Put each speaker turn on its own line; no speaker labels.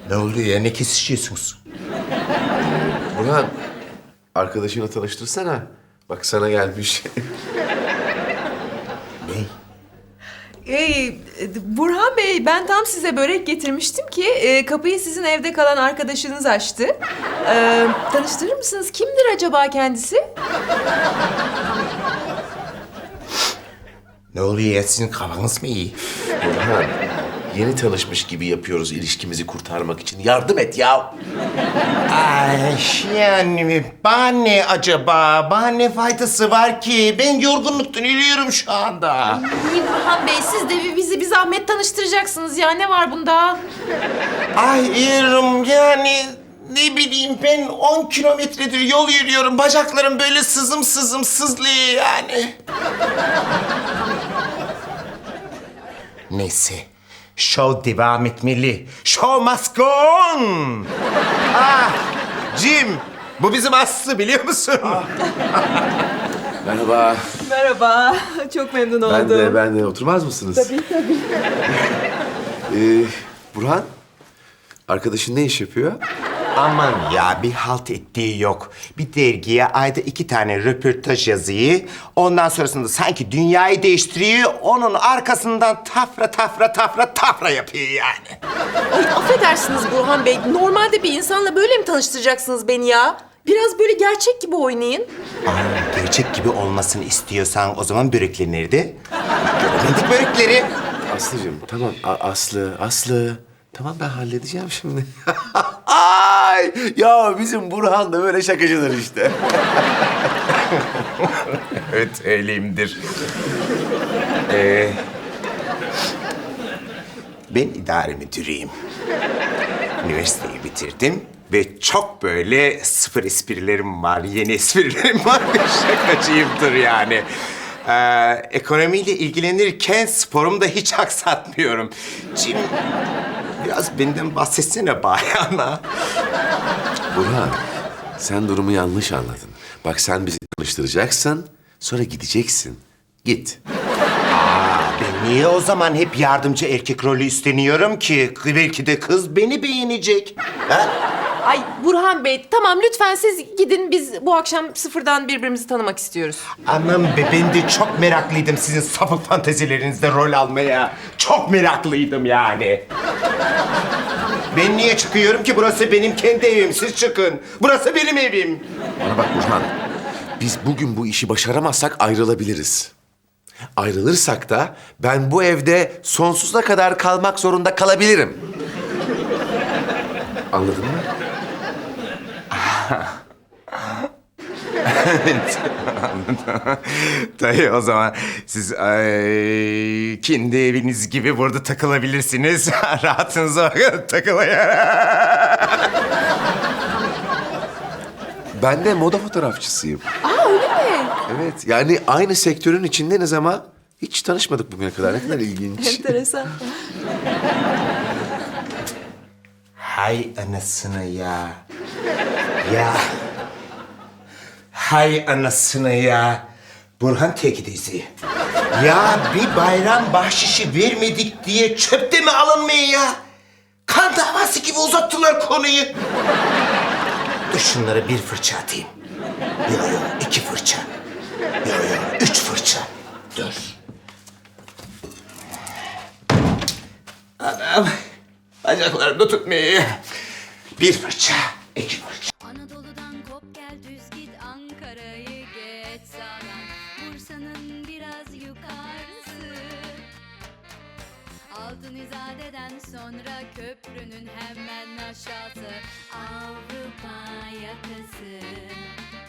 Ne oluyor ya? Ne kesişiyorsunuz?
Burhan, arkadaşını tanıştırsana. Bak sana gelmiş.
Ne?
Burhan Bey, ben tam size börek getirmiştim ki kapıyı sizin evde kalan arkadaşınız açtı. Tanıştırır mısınız? Kimdir acaba kendisi?
Ne oluyor ya? Sizin kafanız mı iyi?
Burhan, yeni tanışmış gibi yapıyoruz ilişkimizi kurtarmak için. Yardım et ya.
Ay yani bana ne acaba? Bana ne faydası var ki? Ben yorgunluktan ölüyorum şu anda.
İyi Burhan Bey, siz de bizi bir zahmet tanıştıracaksınız ya. Ne var bunda?
Ay İrem yani ne bileyim ben 10 kilometredir yol yürüyorum. Bacaklarım böyle sızım sızım sızlıyor yani. Neyse. Show devam etmeli. Show must go on. Ah, Jim. Bu bizim Aslı biliyor musun?
Merhaba.
Merhaba, çok memnun oldum.
Ben de. Oturmaz mısınız? Tabii. Burhan, arkadaşın ne iş yapıyor?
Aman ya bir halt ettiği yok. Bir dergiye ayda 2 tane röportaj yazıyor. Ondan sonrasında sanki dünyayı değiştiriyor. Onun arkasından tafra yapıyor yani.
Ay, affedersiniz Burhan Bey, normalde bir insanla böyle mi tanıştıracaksınız beni ya? Biraz böyle gerçek gibi oynayın.
Aa, gerçek gibi olmasını istiyorsan o zaman börekleri nerede? Göremedik börekleri.
Aslıcığım, tamam. Aslı. Tamam ben halledeceğim şimdi. Ay, ya bizim Burhan da böyle şakacıdır işte.
Evet öyleyimdir. Ben idare müdürüyüm. Üniversiteyi bitirdim ve çok böyle sıfır esprilerim var, yeni esprilerim var ve şakacıyımdır yani. Ekonomiyle ilgilenirken sporumu da hiç aksatmıyorum. Şimdi biraz benden bahsetsene bayana.
Burhan, sen durumu yanlış anladın. Bak sen bizi tanıştıracaksın, sonra gideceksin. Git.
Ben niye o zaman hep yardımcı erkek rolü üstleniyorum ki? Belki de kız beni beğenecek. Ha?
Ay Burhan Bey, tamam lütfen siz gidin. Biz bu akşam sıfırdan birbirimizi tanımak istiyoruz.
Aman be ben de çok meraklıydım sizin sapık fantezilerinizde rol almaya. Çok meraklıydım yani. Ben niye çıkıyorum ki? Burası benim kendi evim. Siz çıkın. Burası benim evim.
Bana bak Burhan, biz bugün bu işi başaramazsak ayrılabiliriz. Ayrılırsak da ben bu evde sonsuza kadar kalmak zorunda kalabilirim. Anladın mı?
Tabii o zaman siz kendi eviniz gibi burada takılabilirsiniz. Rahatınıza bakın takılın.
Ben de moda fotoğrafçısıyım.
Aa öyle mi?
Evet, yani aynı sektörün içindeniz ama hiç tanışmadık bugüne kadar. Ne kadar ilginç.
Enteresan.
Hay anasını ya. Ya. Hay anasını ya. Burhan tekidizi. Ya bir bayram bahşişi vermedik diye çöpte mi alınmıyor ya? Kan davası gibi uzattılar konuyu. Dur şunlara bir fırça atayım. Yo, 2 fırça. Yo, 3 fırça. Dur. Anam. Bacaklarım da tutmuyor. 1 fırça, 2 fırça.
Anadolu'dan kop gel düz git Ankara'yı geç sağdan Bursa'nın biraz yukarısı Altın İzade'den sonra köprünün hemen aşağısı Avrupa yakası